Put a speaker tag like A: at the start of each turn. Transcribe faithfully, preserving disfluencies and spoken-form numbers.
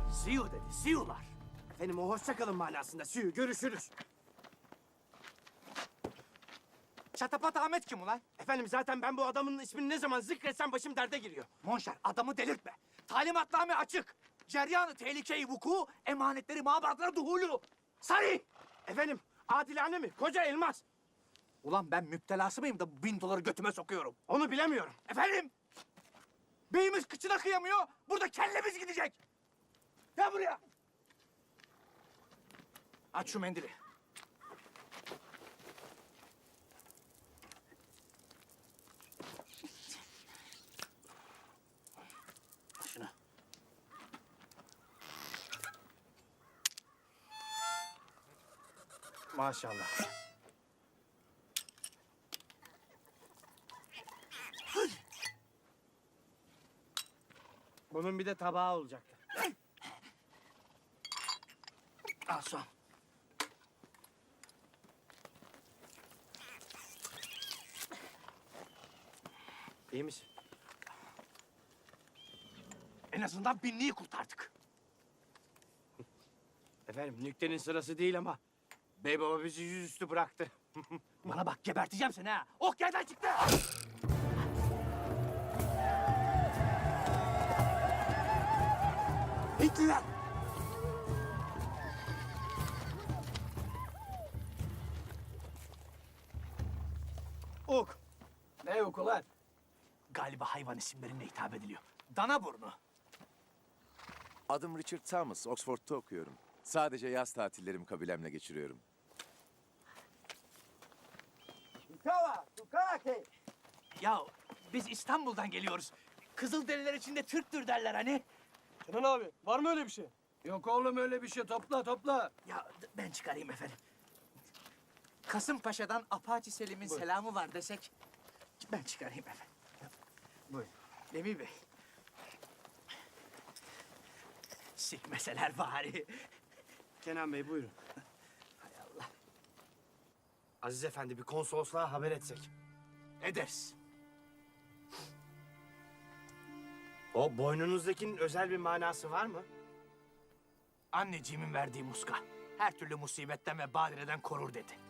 A: See you dedi, see you'lar.
B: Efendim o hoşça kalın manasında. Sü, görüşürüz.
A: Çatapat Ahmet kim ulan?
B: Efendim zaten ben bu adamın ismini ne zaman zikretsem başım derde giriyor.
A: Monşer, adamı delirtme. Talimatname açık. Ceryanı tehlikeyi vuku, emanetleri mabadlara duhulu. Sarı!
B: Efendim adilane mi? Koca elmas.
A: Ulan ben müptelası mıyım da bin doları götüme sokuyorum?
B: Onu bilemiyorum.
A: Efendim? Beyimiz kıçına kıyamıyor, burada kellemiz gidecek. Gel buraya. Aç şu mendili. Şunu.
B: Maşallah. Bunun bir de tabağı olacaktı.
A: Al son.
B: İyi misin?
A: En azından binliği kurtardık.
B: Efendim nüktenin sırası değil ama bey baba bizi yüzüstü bıraktı.
A: Bana bak geberteceğim seni ha. Ok yerden çıktı.
B: Hintliler! Ok.
A: Ne oku lan? Galiba hayvan isimlerine hitap ediliyor. Dana burnu.
C: Adım Richard Thomas, Oxford'da okuyorum. Sadece yaz tatillerimi kabilemle geçiriyorum.
A: Ya biz İstanbul'dan geliyoruz. Kızılderililer içinde Türktür derler hani.
D: Kenan abi var mı öyle bir şey? Yok oğlum öyle bir şey. Topla topla.
A: Ya d- ben çıkarayım efendim. Kasımpaşa'dan Apache Selim'in selamı var desek. Ben çıkarayım efendim.
B: Buyurun.
A: Demir Bey. Sikmeseler bari.
B: Kenan Bey buyurun.
A: Hay Allah.
B: Aziz Efendi bir konsolosluğa haber etsek.
A: Ederiz.
B: O boynunuzdakinin özel bir manası var mı?
A: Anneciğimin verdiği muska. Her türlü musibetten ve badireden korur dedi.